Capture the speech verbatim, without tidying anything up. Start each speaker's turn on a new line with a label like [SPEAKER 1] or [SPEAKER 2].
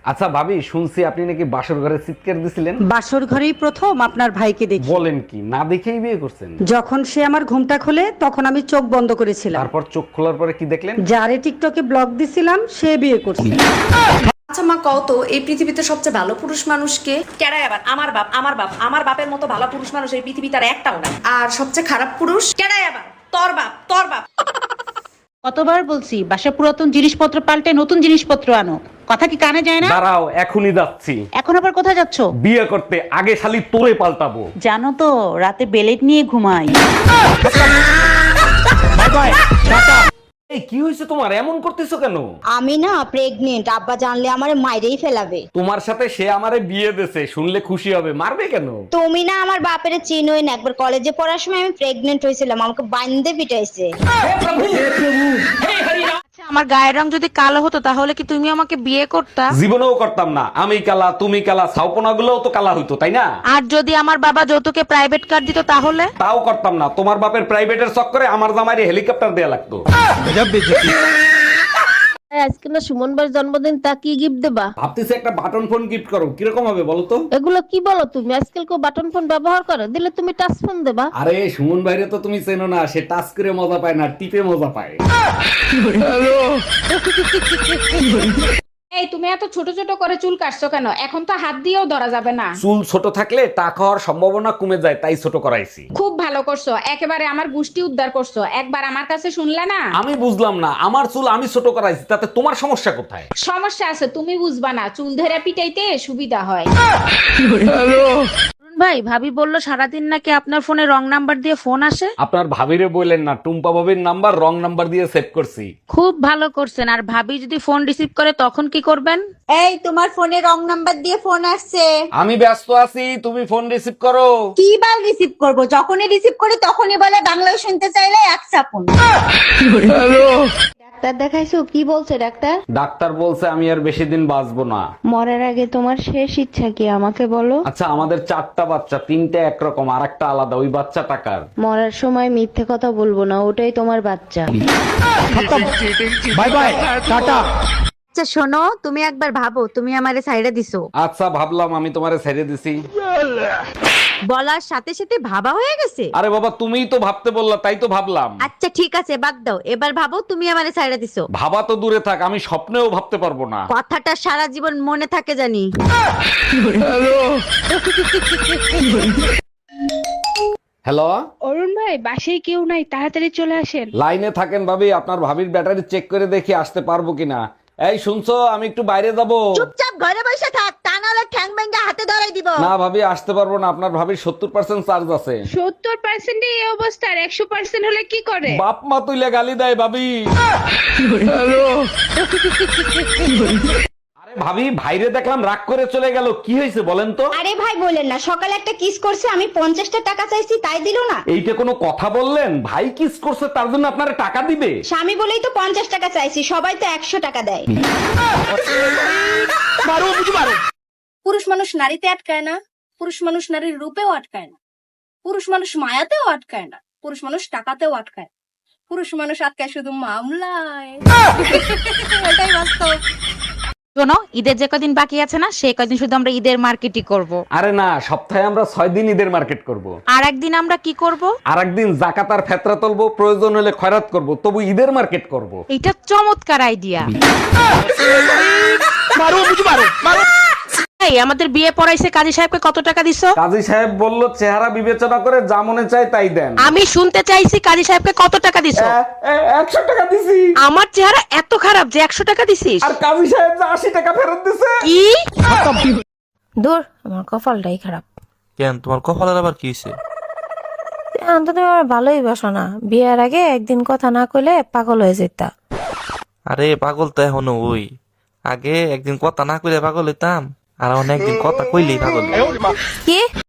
[SPEAKER 1] আচ্ছা ভাবি, শুনছি আপনি নাকি বাসর ঘরে চিৎকার দিছিলেন।
[SPEAKER 2] বাসর ঘরেই প্রথম আপনার ভাইকে দেখি।
[SPEAKER 1] বলেন কি, না দেখেই বিয়ে করছেন?
[SPEAKER 2] যখন সে আমার ঘুমটা খোলে তখন আমি চোখ বন্ধ করেছিলাম।
[SPEAKER 1] তারপর চোখ খোলার পরে কি দেখলেন?
[SPEAKER 2] যারে টিকটকে ব্লগ দিছিলাম সে বিয়ে করছে।
[SPEAKER 3] আচ্ছা মা, কও তো এই পৃথিবীতে সবচেয়ে ভালো পুরুষ মানুষকে?
[SPEAKER 4] কেডাই আবার? আমার বাপ আমার বাপ আমার বাপের মতো ভালো পুরুষ মানুষ এই পৃথিবীতে আর একটাও নাই।
[SPEAKER 3] আর সবচেয়ে খারাপ পুরুষ?
[SPEAKER 4] কেডাই আবার? তোর বাপ তোর বাপ।
[SPEAKER 5] কতবার বলছি বাসা পুরাতন জিনিসপত্র পাল্টে নতুন জিনিসপত্র আনো, কথা কি কানে যায় না?
[SPEAKER 1] দাঁড়াও, এখনই যাচ্ছি।
[SPEAKER 5] এখন আবার কোথায় যাচ্ছ?
[SPEAKER 1] বিয়ে করতে। আগে শালি তোরে পাল্টাবো।
[SPEAKER 5] জানো তো রাতে বেলেট নিয়ে ঘুমাই।
[SPEAKER 1] এই কি হয়েছে তোমার, এমন করতেছো কেন?
[SPEAKER 6] আমি না প্রেগনেন্ট, আব্বা জানলে আমারে মাইরেই ফেলাবে।
[SPEAKER 1] তোমার সাথে সে আমারে বিয়ে দেছে, শুনলে খুশি হবে, মারবে কেন?
[SPEAKER 6] তুমি না আমার বাপের চিনোই না, একবার কলেজে পড়ার সময় আমি প্রেগনেন্ট হয়েছিলাম, আমাকে বান্ধে পিটাইছে।
[SPEAKER 5] আমার গায়ের রং যদি কালো হতো তাহলে কি তুমি আমাকে বিয়ে করতা?
[SPEAKER 1] জীবনেও করতাম না। আমি কালা, তুমি কালা, ছাউপনা গুলোও তো কালা হইতো, তাই না?
[SPEAKER 5] আর যদি আমার বাবা যৌতুকে প্রাইভেট কার দিত তাহলে?
[SPEAKER 1] তাও করতাম না। তোমার বাপের প্রাইভেটের চক্করে আমার জামাইরে হেলিকপ্টার দেয়া লাগতো।
[SPEAKER 7] আজকে না সুমন ভাইয়ের জন্মদিন, তা কি গিফট দেবা?
[SPEAKER 1] ভাবতেছি একটা বাটন ফোন গিফট করো, কিরকম হবে বলো তো?
[SPEAKER 7] এগুলো কি বলো তুমি? আজকাল কেউ বাটন ফোন ব্যবহার করে? দিলে তুমি টাচ ফোন দেবা।
[SPEAKER 1] আরে সুমন ভাইরে তো তুমি চেনো না, সে টাচ করে মজা পায় না, টিপে মজা পায়।
[SPEAKER 8] এই তুমি এত ছোট ছোট করে চুল কাটছো কেন? এখন তো হাত দিয়েও ধরা যাবে না।
[SPEAKER 1] চুল ছোট থাকলে টাকা হওয়ার সম্ভাবনা কমে যায়, তাই ছোট করাইছি।
[SPEAKER 8] খুব ভালো করছো, একেবারে আমার গুষ্টি উদ্ধার করছো। একবার আমার কাছে শুনলে না?
[SPEAKER 1] আমি বুঝলাম না, আমার চুল আমি ছোট করাইছি, তাতে তোমার সমস্যা কোথায়?
[SPEAKER 8] সমস্যা আছে, তুমি বুঝবা না। চুল ধরে পিটাইতে সুবিধা হয়।
[SPEAKER 5] ভাই, ভাবি বললো সারাদিন নাকি আপনার ফোনে রং নাম্বার দিয়ে ফোন আসে।
[SPEAKER 1] আপনার ভাবিরে বললেন না, টুম্পা ভাবির নাম্বার রং নাম্বার দিয়ে সেভ করছি।
[SPEAKER 5] খুব ভালো করছেন। আর ভাবি যদি ফোন রিসিভ করে তখন কি করবেন?
[SPEAKER 6] এই তোমার ফোনে রং নাম্বার দিয়ে ফোন আসছে।
[SPEAKER 1] আমি ব্যস্ত আছি, তুমি ফোন রিসিভ করো।
[SPEAKER 6] কি বার রিসিভ করব? যখনই রিসিভ করি তখনই বলে বাংলায় শুনতে চাইলে এক চাপুন।
[SPEAKER 7] ডাক্তার দেখাইছো? কি বলছে ডাক্তার?
[SPEAKER 1] ডাক্তার বলছে আমি আর বেশি দিন বাঁচবো না।
[SPEAKER 7] মরার আগে তোমার শেষ ইচ্ছা কি আমাকে বলো?
[SPEAKER 1] আচ্ছা, আমাদের চারটা বাচ্চা, তিনটা একরকম আর একটা আলাদা, ওই বাচ্চা টাকার।
[SPEAKER 7] মরার সময় মিথ্যে কথা বলবো না, ওটাই তোমার বাচ্চা।
[SPEAKER 1] Bye bye, tata.
[SPEAKER 2] আচ্ছা শোনো, তুমি একবার ভাবো তুমি আমারে সাইডে দিছো।
[SPEAKER 1] আচ্ছা ভাবলাম, আমি তোমারে ছেড়ে দিছি।
[SPEAKER 2] বলার সাথে সাথে ভাবা হয়ে গেছে।
[SPEAKER 1] আরে বাবা, তুমিই তো ভাবতে বললা, তাই তো ভাবলাম।
[SPEAKER 2] আচ্ছা ঠিক আছে, বাদ দাও। এবার ভাবো তুমি আমারে সাইডে দিছো।
[SPEAKER 1] ভাবা তো দূরে থাক, আমি স্বপ্নেও ভাবতে পারবো না।
[SPEAKER 2] কথাটা সারা জীবন মনে থাকে জানি।
[SPEAKER 1] হ্যালো
[SPEAKER 8] অরুণ ভাই, বাসায় কেউ নাই, তাড়াতাড়ি চলে আসেন।
[SPEAKER 1] লাইনে থাকেন ভাবি, আপনার ভাবির ব্যাটারি চেক করে দেখি আসতে পারবো কিনা। এই শুনছো, আমি একটু বাইরে যাব।
[SPEAKER 6] চুপচাপ ঘরে বসে থাক, তা নাহলে ঠ্যাং ভেঙে হাতে ধরাই দিব।
[SPEAKER 1] না ভাবি, আসতে পারবো না, আপনার ভাবির সত্তর পার্সেন্ট চার্জ আছে।
[SPEAKER 8] সত্তর পার্সেন্ট এই অবস্থা, আর একশো পার্সেন্ট হলে কি করে?
[SPEAKER 1] বাপ মা তুইলে গালি দেয় ভাবি। আরে ভাবি, ভাইরে দেখলাম রাগ করে চলে গেল, কি হয়েছে বলেন তো?
[SPEAKER 6] আরে ভাই বলেন না, সকালে একটা কিস করছে, আমি পঞ্চাশটা টাকা চাইছি তাই দিল না।
[SPEAKER 1] এইটা কোনো কথা বললেন? ভাই কিস করছে তার জন্য আপনারা টাকা দিবে?
[SPEAKER 6] স্বামী বলেই তো পঞ্চাশ টাকা চাইছি, সবাই তো একশো টাকা দেয়।
[SPEAKER 3] পুরুষ মানুষ নারীতে আটকায় না, পুরুষ মানুষ নারীর রূপেও আটকায় না, পুরুষ মানুষ মায়াতেও আটকায় না, পুরুষ মানুষ টাকাতেও আটকায় না। পুরুষ মানুষ আটকায় শুধু মামলায়। এটাই বাস্তব।
[SPEAKER 5] শোনো, ঈদের যে কদিন বাকি আছে না, সেই কদিন শুধু আমরা ঈদের মার্কেটই করব।
[SPEAKER 1] আরে না, সপ্তাহে আমরা ছয় দিন ঈদের মার্কেট করব।
[SPEAKER 5] আর একদিন আমরা কি করব?
[SPEAKER 1] আর একদিন জাকাত আর ফেতরা তুলবো, প্রয়োজন হলে খয়রাত করব, তবু ঈদের মার্কেট করব।
[SPEAKER 5] এটা চমৎকার আইডিয়া। এই, আমাদের বিয়ে পড়াইছে কাজী সাহেবকে কত টাকা দিছো?
[SPEAKER 1] কাজী সাহেব বলল চেহারা বিবেচনা করে যা মনে চায় তাই দেন।
[SPEAKER 5] আমি শুনতে চাইছি কাজী সাহেবকে কত টাকা দিছো?
[SPEAKER 1] একশো টাকা দিছি।
[SPEAKER 5] আমার চেহারা এত খারাপ যে একশো টাকা দিছিস?
[SPEAKER 1] আর কাজী সাহেব যে আশি টাকা ফেরত দিছে।
[SPEAKER 5] কি?
[SPEAKER 7] দূর, আমার কপালটাই খারাপ।
[SPEAKER 9] কেন, তোমার কপালের আবার কি হয়েছে?
[SPEAKER 7] অন্তত তুমি আমার ভালোই বাসো না। বিয়ের আগে একদিন কথা না কইলে পাগল হয়ে যেতা।
[SPEAKER 9] আরে পাগল তো এখনো ওই, আগে একদিন কথা না কইলে পাগল হইতাম, আর এখন একদিন কথা কইলেই পাগল।
[SPEAKER 7] কি?